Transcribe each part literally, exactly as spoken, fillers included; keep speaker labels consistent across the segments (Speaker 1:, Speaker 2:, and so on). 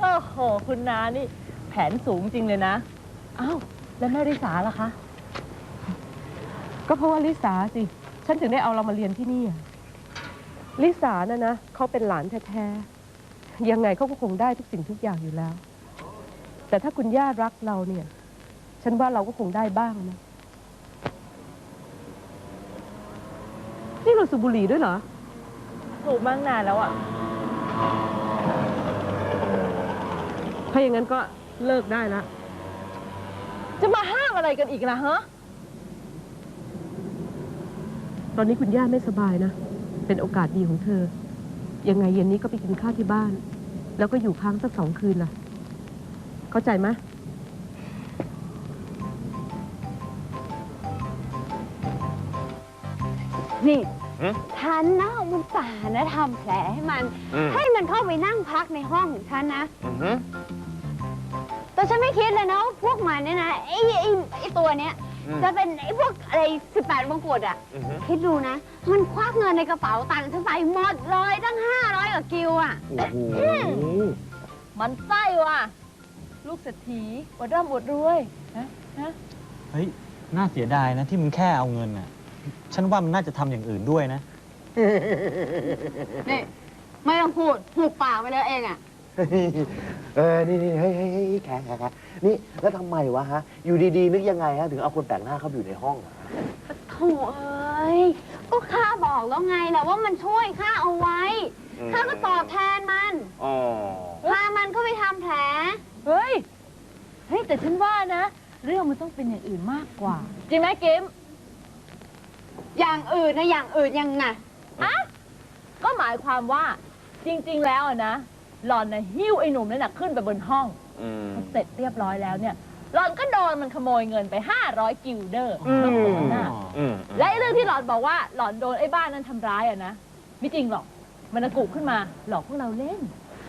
Speaker 1: โอ้โหคุณนานี่แผนสูงจริงเลยนะอ้าวแล้วแม่ริสาล่ะคะก็เพราะว่าลิสาสิฉันถึงได้เอาเรามาเรียนที่นี่ลิสานะนะเขาเป็นหลานแท้ๆยังไงเขาก็คงได้ทุกสิ่งทุกอย่างอยู่แล้วแต่ถ้าคุณย่ารักเราเนี่ยฉันว่าเราก็คงได้บ้างนะนี่เราสูบบุหรี่ด้วยเหรอสูบมากนานแล้วอ่ะถ้าอย่างนั้นก็เลิกได้แล้วจะมาห้ามอะไรกันอีกนะฮะตอนนี้คุณย่าไม่สบายนะเป็นโอกาสดีของเธอยังไงเย็นนี้ก็ไปกินข้าวที่บ้านแล้วก็อยู่ค้างสักสองคืนล่ะเข้าใจไหม
Speaker 2: นี่ฉันนะเอามันป่านะทำแผลให้มันให้มันเข้าไปนั่งพักในห้องของฉันนะแต่ฉันไม่คิดเลยนะว่าพวกมันเนี่ยนะไอ้ไอ้ไอ้ตัวเนี้ยจะเป็นไอ้พวกอะไรสิบแปดมงกุฎอ่ะคิดดูนะมันควักเงินในกระเป๋าตังค์ฉันไปหมดเลยตั้งห้าร้อยกว่ากิวอ่ะ
Speaker 1: มันไส้ว่ะลูกเศรษฐีอวดร่ำอวดรวยนะนะ
Speaker 3: เฮ้ยน่าเสียดายนะที่มึงแค่เอาเงินน่ะฉันว่ามันน่าจะทำอย่างอื่นด้วยนะ
Speaker 2: นี่ไม่ต้องพูดหูปากไปเลยเองอ่ะ
Speaker 4: เออนี่นี่เฮ้ยเฮ้ยแขกแขกนี่แล้วทำไมวะฮะอยู่ดีๆนึกยังไงฮะถึงเอาคนแปลกหน้าเข้าไปอยู่ในห้องอะ
Speaker 2: โถ่เอ้ยก็ข้าบอกแล้วไงแหละว่ามันช่วยข้าเอาไว้ข้าก็ตอบแทนมันพามันเข้าไปทำแผล
Speaker 1: เฮ้ยเฮ้ยแต่ฉันว่านะเรื่องมันต้องเป็นอย่างอื่นมากกว่าจริงไหมกิม
Speaker 2: อย่างอื่นนะอย่างอื่นยังไง
Speaker 1: อ่ะก็หมายความว่าจริงๆแล้วนะหล่อนนะหิ้วไอ้หนุ่มนั่นนะขึ้นไปบนห้องพอเสร็จเรียบร้อยแล้วเนี่ยหล่อนก็โดนมันขโมยเงินไปห้าร้อยกิลเดอร์และไอ้เรื่องที่หล่อนบอกว่าหล่อนโดนไอ้บ้านนั้นทำร้ายอะนะไม่จริงหรอกมันกุขึ้นมาหลอกพวกเราเล่น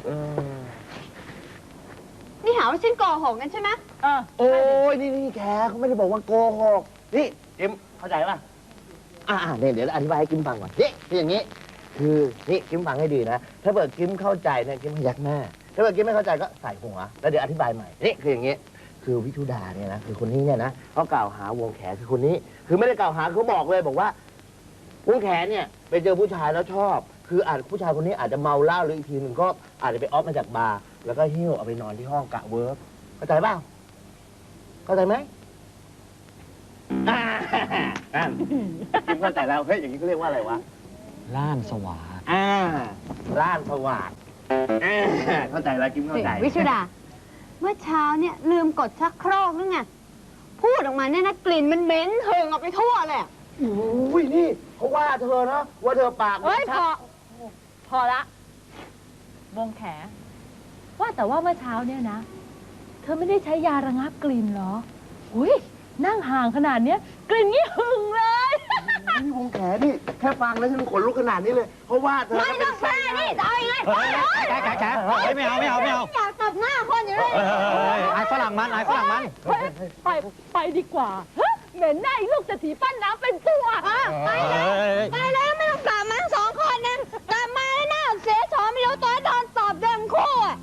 Speaker 2: นี่หาว่าฉันโกหกกันใช่ไหม
Speaker 4: เออโอ้ยนี่นี่แขกเขาไม่ได้บอกว่าโกหกนี่เอ็มเข้าใจป่ะอ่าเนี่ยเดี๋ยวอธิบายให้กิมฟังก่อนนี่คืออย่างนี้คือนี่กิมฟังให้ดีนะถ้าเกิดกิมเข้าใจเนี่ยกิมพยักหน้าถ้าเกิดกิมไม่เข้าใจก็ใส่หัวแล้วเดี๋ยวอธิบายใหม่นี่คืออย่างนี้คือวิทุดาเนี่ยนะคือคนนี้เนี่ยนะเขากล่าวหาวงแขคือคนนี้คือไม่ได้กล่าวหาเขาบอกเลยบอกว่าวงแขเนี่ยไปเจอผู้ชายแล้วชอบคืออาจผู้ชายคนนี้อาจจะเมาเหล้าหรืออีกทีหนึ่งก็อาจจะไปออฟมาจากบาร์แล้วก็หิ้วเอาไปนอนที่ห้องกะเวิร์กเข้าใจเปล่าเข้าใจไหมอ่ากิมเข้าใจแล้วเฮ้ยอย่างนี้เขาเรียกว่าอะไรวะ
Speaker 3: ล้านสว่าง
Speaker 4: อ่าล้านสว่างเข้าใจแล้วกิมเข้าใจ
Speaker 2: วิชุดาเมื่อเช้าเนี่ยลืมกดชักโครกนึงไงพูดออกมาเนี่ยนะกลิ่นมันเหม็นเหิงออกไปทั่วเลย
Speaker 4: อุ้ยนี่เขาว่าเธอนะว่าเธอปาก
Speaker 1: เฮ้ยพอพอละวงแขว่าแต่ว่าเมื่อเช้าเนี่ยนะเธอไม่ได้ใช้ยาระงับกลิ่นเหรออุ้ยนั่งห่างขนาดเนี้ยกลิ่นงี้หึงเลย
Speaker 4: นี่วงแขนี่แค่ฟังแล้วฉันขนลุกขนาดนี้เลยเพราะว่าเธอ
Speaker 2: ไม่ต้องแค่นี่จะเอายังไง
Speaker 3: แกแกแกไม่เอาไม่เอาไม่เอา
Speaker 2: อยากตบหน้าคนอยู่เลย
Speaker 3: ไอ้ฝรั่งมันไอ้ฝรั่งมัน
Speaker 1: ไปไปดีกว่าเหม็นหน้าลูกเศรษฐีปั้นน้ำเป็นตัว
Speaker 2: ไปเลยไปเลยไม่ต้องกลับมาสองคนนะกลับมาแล้วหน้าเสียชอไม่รู้ตัวโดนตอบเดิมคู่อ่ะ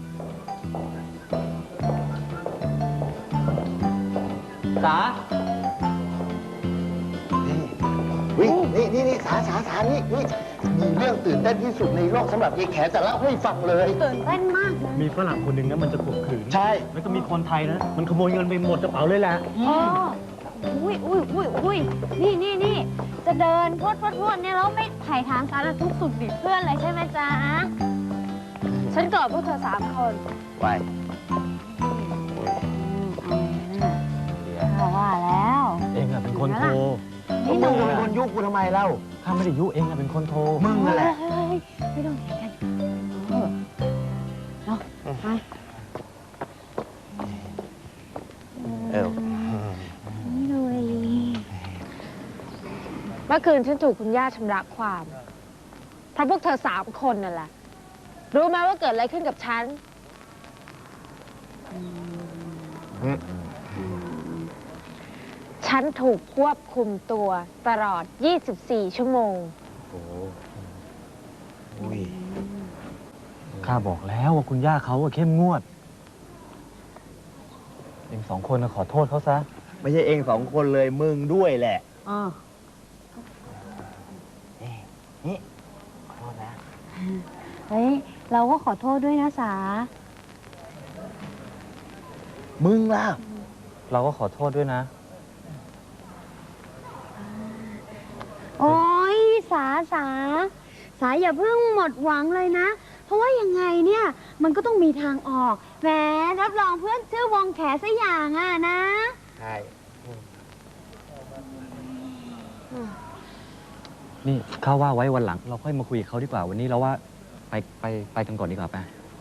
Speaker 3: สา
Speaker 4: นี่นี่นี่สาสาสานี่นี่มีเรื่องตื่นเต้นที่สุดในโลกสำหรับยายแขจะเล่าให้ฟังเลย
Speaker 2: ตื่นเต้นมากเลย
Speaker 3: มีฝรั่งคนหนึ่งนะมันจะข่มขืน
Speaker 4: ใช่
Speaker 3: แล้วก็มีคนไทยนะมันขโมยเงินไปหมดกระเป๋าเลยแหละ
Speaker 2: อ๋ออุ้ยอุ้ยอุ้ยอุ้ยนี่นี่นี่จะเดินพรวดพรวดพรวดเนี่ยแล้วไม่ถ่ายทางสารทุกสุดดิบเพื่อนเลยใช่ไหมจ๊ะฉันเกิดพวกเธอสามคน
Speaker 4: ไว้
Speaker 2: ว่าแล้ว
Speaker 3: เองอะเป็นคนโทร
Speaker 4: มึงเป็นคนยุกูทำไมเล่า
Speaker 3: ข้าไม่ได้ยุเองอะเป็นคนโทร
Speaker 4: มึงนั่นแหละ
Speaker 2: ไม่ต้องเถียงกันเนาะไป
Speaker 4: เออ
Speaker 2: เมื่อคืนฉันถูกคุณย่าชำระความเพราะพวกเธอสามคนนั่นแหละรู้ไหมว่าเกิดอะไรขึ้นกับฉันฉันถูกควบคุมตัวตลอดยี่สิบสี่ชั่วโมง
Speaker 4: โอ้โหอุ้ย
Speaker 3: ข้าบอกแล้วว่าคุณย่าเขาอะเข้มงวด เองสองคนน่ะขอโทษเขาซะ
Speaker 4: ไม่ใช่เองสองคนเลยมึงด้วยแหละ
Speaker 2: อ๋อ
Speaker 4: นี่นี่ขอโทษนะ
Speaker 2: เฮ้ย เราก็ขอโทษด้วยนะสา
Speaker 4: มึงล่ะ
Speaker 3: เราก็ขอโทษด้วยนะ
Speaker 2: โอ้ยสาสา สาอย่าเพิ่งหมดหวังเลยนะ เพราะว่ายังไงเนี่ย มันก็ต้องมีทางออก แหมรับรองเพื่อนชื่อวงแขสักอย่างอ่ะนะ
Speaker 4: ใช่
Speaker 3: นี่ข้าว่าไว้วันหลัง เราค่อยมาคุยกับเขาดีกว่า วันนี้เราว่าไปไปไปกันก่อนดีกว่าไป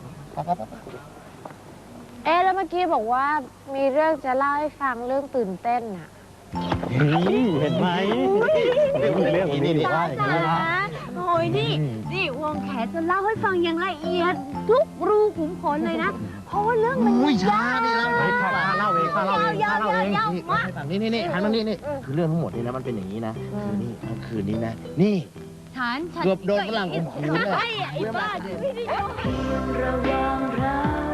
Speaker 5: เอ๊ะแล้วเมื่อกี้บอกว่ามีเรื่องจะเล่าให้ฟังเรื่องตื่นเต้นอะ
Speaker 3: เห็นไหมเรื่องนี้นี่ว่าอย่างนี้นะ
Speaker 2: โอ้ยนี่ นี่วงแขจะเล่าให้ฟังอย่างละเอียด ทุกรูขุมขนเลยนะ เพราะว่าเรื่องมัน
Speaker 4: อุ้ย
Speaker 2: ยา
Speaker 4: ช้าว นี่แล้ว
Speaker 3: เฮ้ยข้าข้าเล่าเองข้าเล่าเอง
Speaker 2: ยาว
Speaker 3: ข้าเล่าเอง
Speaker 2: ยาว
Speaker 4: นี่
Speaker 2: มาก
Speaker 4: ให้ฟังนี่นี่นี่หันมานี่นี่คือเรื่องทั้งหมดนี่นะมันเป็นอย่างนี้นะคือนี่เมื่อคืนนี้นะ นี่
Speaker 2: ฉันฉัน
Speaker 4: เกือบโดนฝรั่งข่มขืนเลย
Speaker 2: ไอ้ไอ้บ้าไม่ได้โดน
Speaker 1: ระหว่างเรา